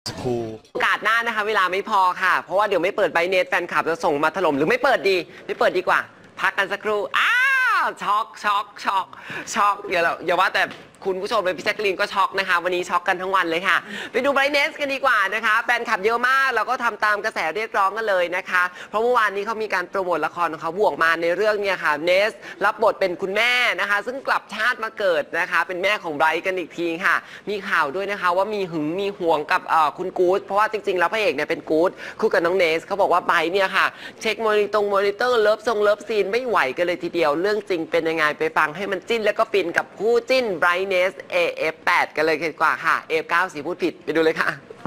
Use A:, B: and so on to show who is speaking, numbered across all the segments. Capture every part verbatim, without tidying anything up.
A: ครู
B: โอกาสหน้านะคะเวลาไม่พอค่ะเพราะว่าเดี๋ยวไม่เปิดไบเนสแฟนคลับจะส่งมาถล่มหรือไม่เปิดดีไม่เปิดดีกว่าพักกันสักครู่อ้าวช็อกช็อกช็อกช็อกอย่าอย่าว่าแต่คุณผู้ชมเลยพี่แจ๊กกะลีนก็ช็อกนะคะวันนี้ช็อกกันทั้งวันเลยค่ะไปดูไบรท์เนสกันดีกว่านะคะแฟนคลับเยอะมากเราก็ทำตามกระแสเรียกร้องกันเลยนะคะเพราะเมื่อวานนี้เขามีการโปรโมทละครของเขาบวกมาในเรื่องเนี่ยค่ะเนสรับบทเป็นคุณแม่นะคะซึ่งกลับชาติมาเกิดนะคะเป็นแม่ของไบรท์กันอีกทีค่ะมีข่าวด้วยนะคะว่ามีหึงมีห่วงกับคุณกู๊ดเพราะว่าจริงๆแล้วพระเอกเนี่ยเป็นกู๊ดคู่กับน้องเนสเขาบอกว่าไบรท์เนี่ยค่ะเช็คมอนิตงมอนิเตอร์เลิฟทรงเลิฟซีนไม่ไหวกันเลยทีเดียวเรื่องจริงเป็นยังไงไปฟังให้มันจิ้นแล้วก็ฟินกับคู่จิ้นไบรท์เนส เอ เอฟ แปด กันเลยดีกว่าค่ะ เอ เอฟ เก้า สีพูดผิดไปดูเลยค่ะ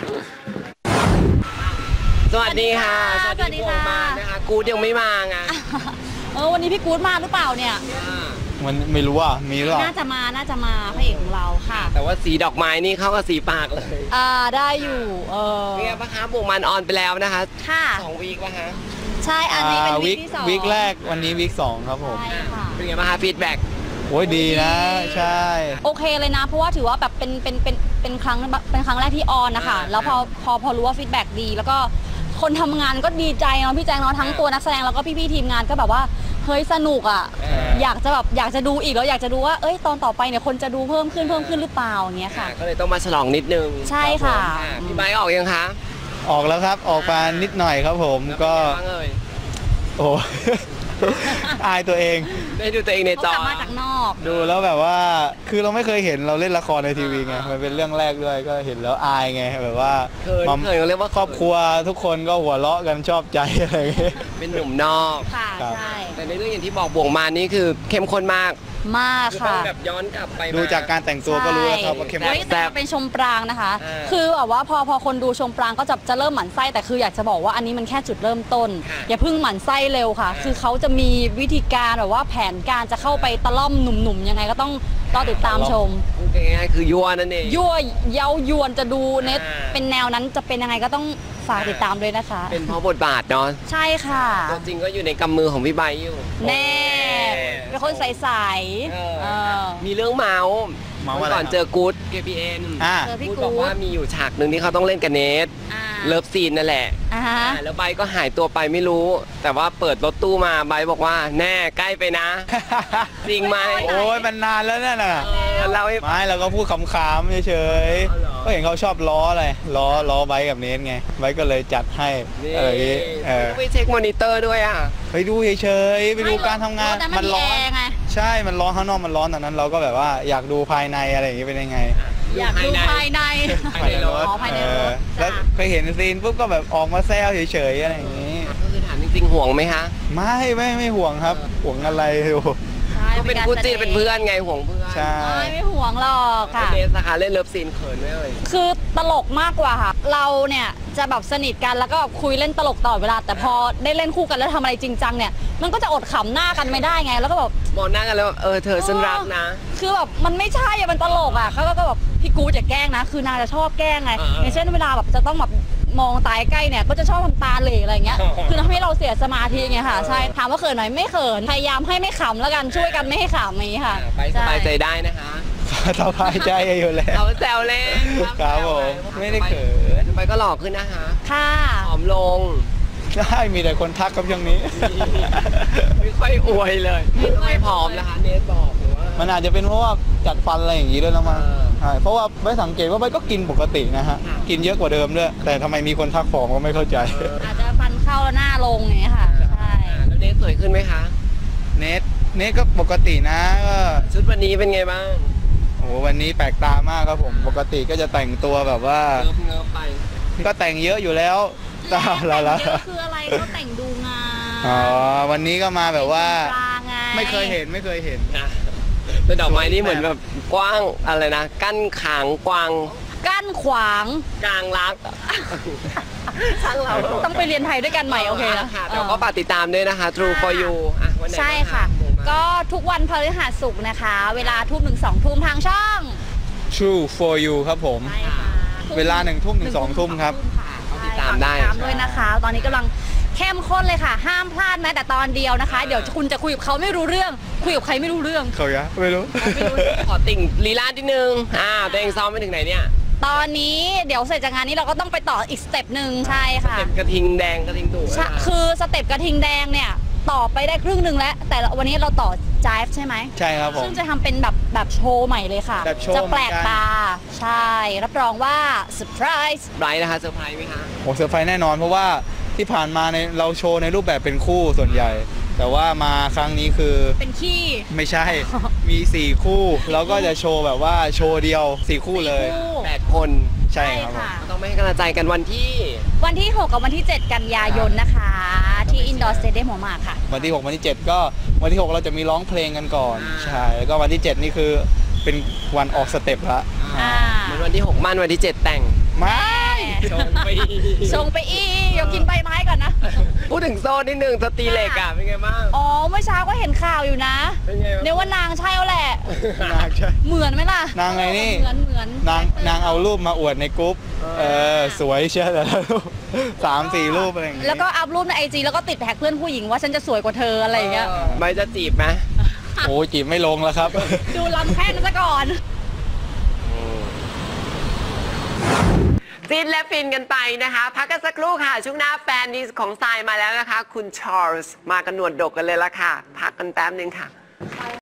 B: สวัสดีค่ะ
C: สวัสดีค่ะ
B: มานะคะกู๊ดยังไม่มาไง
C: เออวันนี้พี่กู๊ดมาหรือเปล่าเนี่ย
A: มันไม่รู้อ่ะมีหรอ
C: น่าจะมาน่าจะมาพระเอกของเราค่ะ
B: แต่ว่าสีดอกไม้นี่เข้ากับสีปากเลย
C: อ่าได้อยู่เออ
B: เนี่ยปะคะบวกมันออนไปแล้วนะคะ
C: ค่ะ
B: สองวีคปะคะ
C: ใช่อันนี้เป็นวีคที่สอง
A: วีคแรกวันนี้วีคสองครับผม
C: ใช่ค่ะ
B: เป็นไงบ้างคะฟีดแบ็ก
A: โอ้ยดีนะใช่
C: โอเคเลยนะเพราะว่าถือว่าแบบเป็นเป็นเป็นเป็นครั้งเป็นครั้งแรกที่ออนนะคะแล้วพอพอพอรู้ว่าฟีดแบ็กดีแล้วก็คนทำงานก็ดีใจเนาะพี่แจงเนาะทั้งตัวนักแสดงแล้วก็พี่ๆทีมงานก็แบบว่าเฮ้ยสนุกอ่ะอยากจะแบบอยากจะดูอีกแล้วอยากจะดูว่าเอ้ยตอนต่อไปเนี่ยคนจะดูเพิ่มขึ้นเพิ่มขึ้นหรือเปล่าอย่างเงี้ยค่ะ
B: ก็เลยต้องมาฉลองนิดนึง
C: ใช่ค่ะ
B: พี่ไบค์ออกยังคะ
A: ออกแล้วครับออกมานิดหน่อยครับผมก็โอ้อายตัวเอง
B: ได้ดูตัวเองในจอก
C: ลับมาจากนอก
A: ดูแล้วแบบว่าคือเราไม่เคยเห็นเราเล่นละครในทีวีไงมันเป็นเรื่องแรกด้วยก็เห็นแล้วอายไงแบบว่า
B: มัมเคยเรียกว่า
A: ครอบครัวทุกคนก็หัวเราะกันชอบใจอะไรอย่างเงี้ย
B: เป็นหนุ่มนอก
C: ค่ะใช่
B: แต่ในเรื่องอย่างที่บอกบวกมานี่คือเข้มข้นมาก
C: มากค่ะ
B: แบบย้อนกลับไป
A: ดูจากการแต่งตัวก็รู้แล้วครับว่าเข้มข้น
C: แต่เป็นชมปรางนะคะคือแบบว่าพอพอคนดูชมปรางก็จะจะเริ่มหมั่นไส้แต่คืออยากจะบอกว่าอันนี้มันแค่จุดเริ่มต้นอย่าเพิ่งหมั่นไส้เร็วค่ะคือเขาจะมีวิธีการแบบว่าแผนการจะเข้าไปตะล่อมหนุ่มๆยังไงก็ต้องรอติดตามชม
B: ง่ายๆคือยั่วนั่นเอง
C: ยั่วเย้ายวนจะดูเน็ตเป็นแนวนั้นจะเป็นยังไงก็ต้องฝากติดตามด้วยนะคะ
B: เป็นเพราะบทบาทเนาะ
C: ใช่ค่ะ
B: ตัวจริงก็อยู่ในกำมือของพี่ใบอยู่
C: แน่เป็นคนใสๆ
B: มีเรื่องเมาส์ก่อนเจอกู๊ด เค พี เอ็น
C: เจอพี่กู๊ด
B: บอกว่ามีอยู่ฉากหนึ่งที่เขาต้องเล่นกับเนทเลิฟซีนนั่นแหละแล้วไบก็หายตัวไปไม่รู้แต่ว่าเปิดรถตู้มาไบบอกว่าแน่ใกล้ไปนะจริงไหม
A: โอ้ยมันนานแล้วนั่นน่ะ
B: เรา
A: ไม่เราก็พูดขำๆเฉยๆก็เห็นเขาชอบล้ออะไรล้อล้อไบกับเนทไงไบก็เลยจัดให้อะไรอย่างงี้
B: ไปเช็คมอนิเตอร์ด้วยอ่ะ
A: ไปดูเฉยๆไปดูการทำงานมันร้อนใช่มันร้อนข้างนอกมันร้อนตอนนั้นเราก็แบบว่าอยากดูภายในอะไรอย่างงี้เป็นยังไง
C: อยากดูภายใน
A: ภายในรถภายในรถแล้วเคยเห็นซีนปุ๊บก็แบบออกมาแซวเฉยๆอะไรอย่างนี้
B: ก็คือถามจริงๆห่วงไหมคะ
A: ไม่ไม่ไม่ห่วงครับห่วงอะไรดู
B: ก็เป็นคู่จิ้นเป็นเพื่อนไงห่วงเพื่อน
A: ใช่
C: ไม่ห่วงหรอกค่ะ
B: เนสนะคะเล่นเลิฟซีนเขินไหมเอ่ย
C: คือตลกมากกว่าค่ะเราเนี่ยจะแบบสนิทกันแล้วก็คุยเล่นตลกตลอดเวลาแต่พอได้เล่นคู่กันแล้วทำอะไรจริงจังเนี่ยมันก็จะอดขำหน้ากันไม่ได้ไงแล้วก็แบบ
B: มองหน้ากันแล้วเออเธอฉันรักนะ
C: คือแบบมันไม่ใช่อะมันตลกอ่ะเขาก็แบบพี่กูจะแกล้งนะคือนางจะชอบแกล้งไงอย่างเช่นเวลาแบบจะต้องแบบมองตาใกล้เนี่ยก็จะชอบทำตาเหล่อะไรเงี้ยคือทำให้เราเสียสมาธิไงค่ะใช่ถามว่าเขินไหมไม่เขินพยายามให้ไม่ขำแล้วกันช่วยกันไม่ให้ขำนี้ค่ะ
B: ไปสบายใจได้นะคะ
A: สบายใจอยู่แล้ว
B: เราแซวเล่น
A: ครับผมไม่ได้เขิน
B: ไปก็หล่อขึ้นนะคะ
C: ค่ะ
B: ผอมลง
A: ใช่มีแต่คนทักกับช่วงนี้
B: ไม่ค่อยอวยเลยไม่ผอมนะคะเนสบอกว่า
A: มันอาจจะเป็นเพราะว่าจัดฟันอะไรอย่างนี้ด้วยแล้วมั้งใช่เพราะว่าไม่สังเกตว่าไม่ก็กินปกตินะฮะกินเยอะกว่าเดิมด้วยแต่ทำไมมีคนทักผอมก็ไม่เข้าใจ
C: อาจจะฟันเข้าแล้วหน้าลงอย่างนี้ค่ะใช่
B: แล้วเนสสวยขึ้นไหมคะ
A: เนสเนสก็ปกตินะก็
B: ชุดวันนี้เป็นไงบ้าง
A: โอ้วันนี้แปลกตามากครับผมปกติก็จะแต่งตัวแบบว่า
B: เงิบเงิบไป
A: ก็แต่งเยอะอยู่แล้ว
C: แต่แต่งเยอะคืออะไรก็แต่งดูงาม
A: อ๋อวันนี้ก็มาแบบว่าไม่เคยเห็นไม่เคยเห็น
B: นะแต่ดอกไม้นี่เหมือนแบบกว้างอะไรนะกั้นขางกวาง
C: กั้นขวาง
B: กลางรัก
C: ช่างเราต้องไปเรียนไทยด้วยกันใหม่โอเคนะ
B: เดี๋ยวก็ฝากติดตามด้วยนะคะ True for you
C: ใช่ค่ะก็ทุกวันพฤหัสศุกร์นะคะเวลาทุ่มถึงสองทุ่มทางช่อง
A: True for you ครับผมเวลาหนึ่งทุ่มถึงสองทุ่มครับ
B: ติดตามได้
C: ตามด้วยนะคะตอนนี้กำลังเข้มข้นเลยค่ะห้ามพลาดแม้แต่ตอนเดียวนะคะเดี๋ยวคุณจะคุยกับเขาไม่รู้เรื่องคุยกับใครไม่รู้เรื่อง
A: เขายะไม่รู้
B: ขอติ่งลีลานิดนึงอ่าตัวเองซ้อมไปถึงไหนเนี่ย
C: ตอนนี้เดี๋ยวเสร็จจากงานนี้เราก็ต้องไปต่ออีกสเต็ปหนึ่งใช่ค่ะ
B: เต็มกระทิงแดงกระทิงดุ
C: ใช่คือสเต็ปกระทิงแดงเนี่ยต่อไปได้ครึ่งหนึ่งแล้ว แต่วันนี้เราต่อจายใช่ไหม
A: ใช่ครับผม
C: ซึ่งจะทำเป็นแบบแบบโชว์ใหม่เลยค่ะ
A: แบบโชว์
C: จะแปลก
A: เหมือนกัน
C: ตาใช่รับรองว่าเซอร์ไพรส์
B: ไบรท์นะคะเซอร์ไพรส์ไหมคะ
A: โอ้เซอร์ไพรส์แน่นอนเพราะว่าที่ผ่านมาในเราโชว์ในรูปแบบเป็นคู่ส่วนใหญ่ แต่ว่ามาครั้งนี้คือ
C: เป็นขี้
A: ไม่ใช่ มีสี่คู่แล้วก็จะโชว์แบบว่าโชว์เดียวสี่คู่เลย
C: สี่คู่
B: แปดคน
A: ใช่ครับผม
C: ค่ะ
B: ต้องไม่ให้กำลังใจกันวันที่
C: วันที่ หก กับวันที่ เจ็ด กันยายนนะคะ ที่อินดอร์สเตเดียมหัวหมากค่ะ
A: วันที่หกวันที่เจ็ดก็วันที่หกเราจะมีร้องเพลงกันก่อน
B: อ่า
A: ใช่แล้วก็วันที่เจ็ดนี่คือเป็นวันออกสเต็ปละ
C: อ่า
B: เหมือนวันที่หกมั่นวันที่เจ็ดแต่ง
A: ไม่
B: ชงไป
C: ชงไปอีกเดี๋ยวกินใบไม้ก่อนนะ
B: พูดถึงโซ่นิดนึงสตรีเหล็กอ่ะเป็นไงบ้าง
C: อ๋อ เมื่อเช้าก็เห็นข่าวอยู่นะ
B: เป็นไงบ้าง
C: เนี่ยว่านางใช่แล้วแหละ
A: นางใช่
C: เหมือนไหมล่ะ
A: นางไงนี่
C: เหมือนเหมือน
A: นางนางเอารูปมาอวดในกรุ๊ปเออสวยเชียวแต่ละรูปสามสี่รูปอะไรอย่างงี้
C: แล้วก็อัพรูปในไอจีแล้วก็ติดแท็กเพื่อนผู้หญิงว่าฉันจะสวยกว่าเธออะไรอย่างเงี้ย
B: ไม่จะจีบไหม
A: โอ้ยจีบไม่ลงแล้วครับ
C: ดูลำแค่นั้นซะก่อน
B: ฟินและฟินกันไปนะคะ พักกันสักครู่ค่ะ ช่วงหน้าแฟนดีของทรายมาแล้วนะคะ คุณชาร์ลส์มากันหนวดดกกันเลยละค่ะ พักกันแป๊บนึงค่ะ